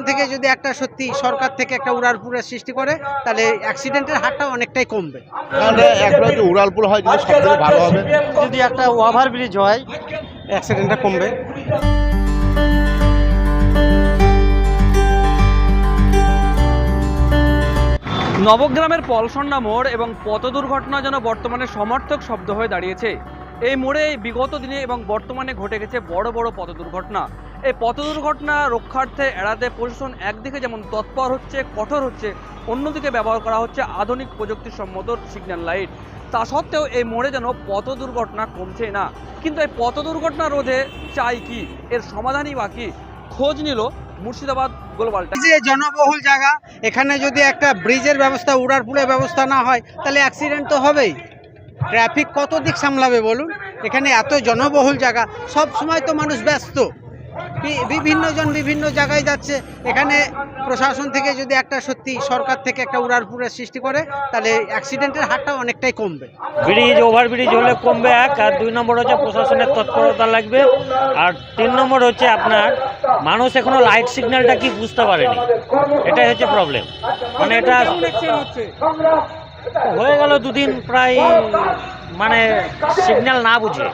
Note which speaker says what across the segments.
Speaker 1: থেকে যদি একটা সত্যি সরকার থেকে একটা উড়ালপুরের সৃষ্টি করে তাহলে অ্যাক্সিডেন্টের হারটা অনেকটাই কমবে।
Speaker 2: তাহলে একটা যদি উড়ালপুর হয় যদি সব থেকে ভালো হবে।
Speaker 1: যদি একটা ওভারব্রিজ হয় অ্যাক্সিডেন্টটা কমবে।
Speaker 3: নবগ্রামের পলসন্না মোড় এবং পথ দুর্ঘটনা যেন বর্তমানে সমর্থক শব্দ হয়ে দাঁড়িয়েছে। এই মোড়ে বিগত দিনে এবং বর্তমানে ঘটে গেছে বড় বড় পথ দুর্ঘটনা। এই পথ দুর্ঘটনা রক্ষার্থে এড়াতে প্রশাসন একদিকে যেমন তৎপর হচ্ছে, কঠোর হচ্ছে, অন্যদিকে ব্যবহার করা হচ্ছে আধুনিক প্রযুক্তিসম্মত সিগন্যাল লাইট। তা সত্ত্বেও এই মোড়ে যেন পথ দুর্ঘটনা কমছে না। কিন্তু এই পথ দুর্ঘটনা রোধে চাই কি, এর সমাধানই বাকি, খোঁজ নিল মুর্শিদাবাদ গ্লোবাল টাইমস।
Speaker 1: যে জনবহুল জায়গা, এখানে যদি একটা ব্রিজের ব্যবস্থা, উড়ালপুরের ব্যবস্থা না হয় তাহলে অ্যাক্সিডেন্ট তো হবেই। ট্রাফিক কত দিক সামলাবে বলুন? এখানে এত জনবহুল জায়গা, সব সময় তো মানুষ ব্যস্ত, বিভিন্ন জন বিভিন্ন জায়গায় যাচ্ছে। এখানে প্রশাসন থেকে যদি একটা সত্যি সরকার থেকে একটা উড়ালপুরের সৃষ্টি করে তাহলে অ্যাক্সিডেন্টের হারটা অনেকটাই কমবে।
Speaker 4: ব্রিজ ওভারব্রিজ হলে কমবে এক, আর 2 নম্বর হচ্ছে প্রশাসনের তৎপরতা লাগবে, আর 3 নম্বর হচ্ছে আপনার মানুষ এখনো লাইট সিগন্যালটা কি বুঝতে পারেনি, এটাই হচ্ছে প্রবলেম। মানে এটা হয়ে গেল 2 দিন প্রায়, মানে সিগন্যাল না বুঝে।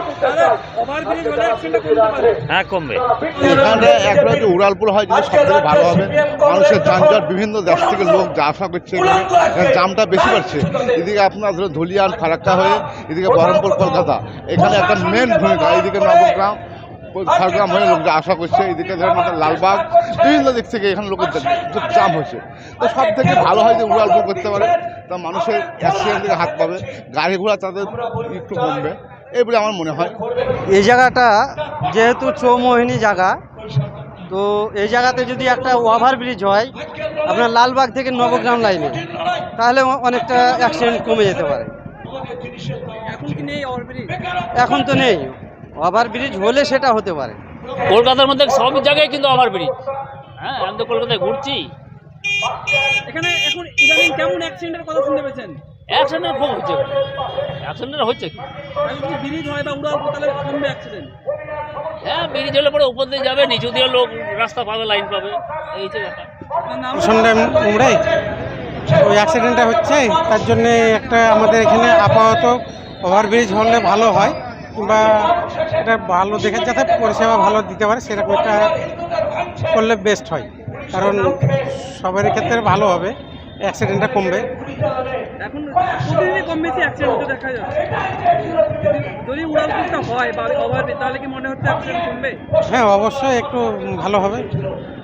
Speaker 4: হ্যাঁ, কমবে।
Speaker 2: এখানে একটা যদি উড়ালপুর হয় যদি সব থেকে ভালো হবে। মানুষের যানজট, বিভিন্ন দেশ থেকে লোক যা আসা করছে, এখানে জামটা বেশি বাড়ছে। এদিকে আপনার ধরো ধুলিয়ান ফারাক্কা হয়ে এদিকে বহরমপুর কলকাতা, এখানে একটা মেন ভূমিকা। এইদিকে নবগ্রাম ঝাড়গ্রাম হয়ে লোক যা আশা করছে, এইদিকে ধরেন লালবাগ, বিভিন্ন দিক থেকে এখানে লোকের জাম হয়েছে। তো সব থেকে ভালো হয় যে উড়ালপুর করতে পারে, তা মানুষের অ্যাক্সিডেন্ট থেকে হাত পাবে, গাড়ি ঘোড়া তাদের একটু কমবে, এই বলে আমার মনে হয়।
Speaker 5: এই জায়গাটা যেহেতু চৌমোহিনী জায়গা, তো এই জায়গাতে যদি একটা ওভারব্রিজ হয় আপনার লালবাগ থেকে নবগ্রাম লাইনে, তাহলে অনেকটা অ্যাক্সিডেন্ট কমে যেতে পারে। এখন তো নেই, ওভারব্রিজ হলে সেটা হতে পারে।
Speaker 6: কলকাতার মধ্যে সব জায়গায় কিন্তু ওভারব্রিজ। হ্যাঁ, আমি তো কলকাতায় ঘুরছি।
Speaker 3: এখানে এখন ইদানিং কেমন অ্যাক্সিডেন্টের কথা শুনতে পেয়েছেন?
Speaker 6: অ্যাক্সিডেন্ট খুব হচ্ছে, অ্যাক্সিডেন্ট হচ্ছে।
Speaker 3: যদি ব্রিজ হয় বা উড়ালপুর তাহলে কমবে অ্যাক্সিডেন্ট।
Speaker 6: হ্যাঁ, ব্রিজ হলে পরে উপর দিয়ে যাবে, নিচু দিয়ে লোক রাস্তা পাবে, লাইন পাবে, এই যে ব্যাপার।
Speaker 1: উমরাই ওই অ্যাক্সিডেন্টটা হচ্ছে, তার জন্য একটা আমাদের এখানে আপাতত ওভারব্রিজ হলে ভালো হয়, কিংবা এটা ভালো দেখে যাতে পরিষেবা ভালো দিতে পারে সেরকম একটা করলে বেস্ট হয়। কারণ সবারই ক্ষেত্রে ভালো হবে, অ্যাক্সিডেন্টটা কমবে।
Speaker 3: এখন প্রতিদিনই কম বেশি অ্যাক্সিডেন্ট দেখা যাচ্ছে। যদি উড়ালপুরটা হয় বা ওভারব্রিজ, তাহলে কি মনে হচ্ছে অ্যাক্সিডেন্ট কমবে?
Speaker 1: হ্যাঁ, অবশ্যই একটু ভালো হবে।